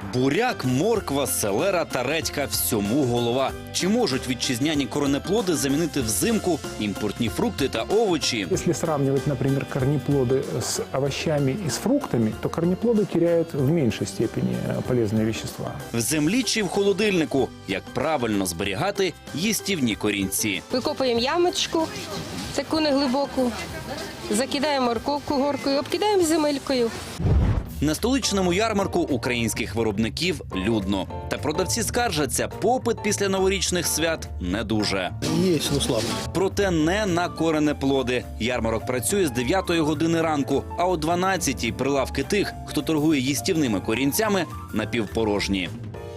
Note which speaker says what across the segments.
Speaker 1: Буряк, морква, селера та редька – всьому голова. Чи можуть вітчизняні коренеплоди замінити взимку імпортні фрукти та овочі?
Speaker 2: Если сравнивать, например, корнеплоды с овощами и с фруктами, то корнеплоды теряют в меньшей степени полезные вещества.
Speaker 1: В землі чи в холодильнику? Як правильно зберігати їстівні корінці?
Speaker 3: Викопуємо ямочку, таку неглибоку, закидаємо морковку горкою, обкидаємо земелькою.
Speaker 1: На столичному ярмарку українських виробників людно. Та продавці скаржаться, попит після новорічних свят не дуже.
Speaker 4: Есть, но слабо.
Speaker 1: Проте не на коренеплоди. Ярмарок працює з 9-ї години ранку, а о 12-й прилавки тих, хто торгує їстівними корінцями, напівпорожні.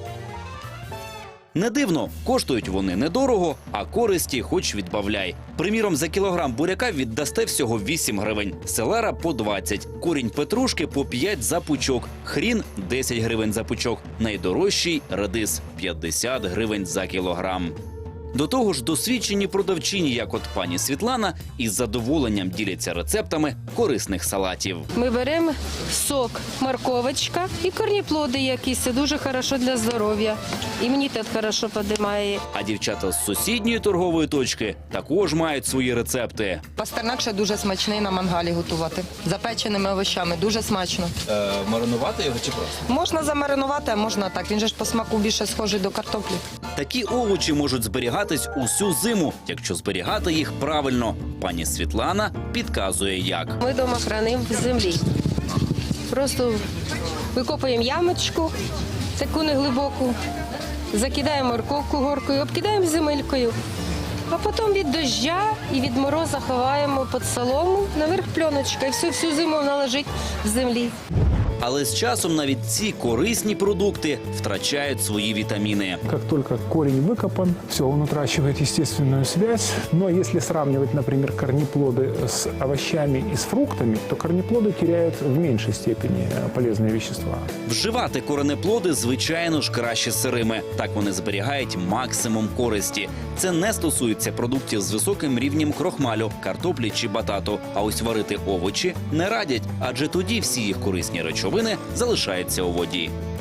Speaker 1: Не дивно, коштують вони недорого, а користі хоч відбавляй. Приміром, за кілограм буряка віддасте всього 8 гривень, селера – по 20, корінь петрушки – по 5 за пучок, хрін – 10 гривень за пучок, найдорожчий – редис – 50 гривень за кілограм. До того ж, досвідчені продавчині, як от пані Світлана, із задоволенням діляться рецептами корисних салатів.
Speaker 3: Ми беремо сок, морковочка і корніплоди якісь. Це дуже хорошо для здоров'я. Імунітет хорошо підіймає.
Speaker 1: А дівчата з сусідньої торгової точки також мають свої рецепти.
Speaker 5: Пастернак ще дуже смачний на мангалі готувати. Запеченими овочами дуже смачно.
Speaker 1: Маринувати його чи просто?
Speaker 5: Можна замаринувати, а можна так. Він же ж по смаку більше схожий до картоплі.
Speaker 1: Такі овочі можуть зберігатись усю зиму, якщо зберігати їх правильно. Пані Світлана підказує, як.
Speaker 3: Ми вдома хранимо в землі. Просто викопуємо ямочку, таку неглибоку, закидаємо морковку горкою, обкидаємо земелькою. А потім від доща і від мороза ховаємо під солому, наверх пленочка, і всю зиму вона лежить в землі.
Speaker 1: Але з часом навіть ці корисні продукти втрачають свої вітаміни.
Speaker 2: Как только корень выкопан, все, он утрачивает естественную связь. Но если сравнивать, например, корнеплоды с овощами и с фруктами, то корнеплоды теряют в меньшей степени полезные вещества.
Speaker 1: Вживати коренеплоди, звичайно ж, краще сирими. Так вони зберігають максимум користі. Це не стосується продуктів з високим рівнем крохмалю, картоплі чи батату. А ось варити овочі не радять, адже тоді всі їх корисні речовини залишаються у воді.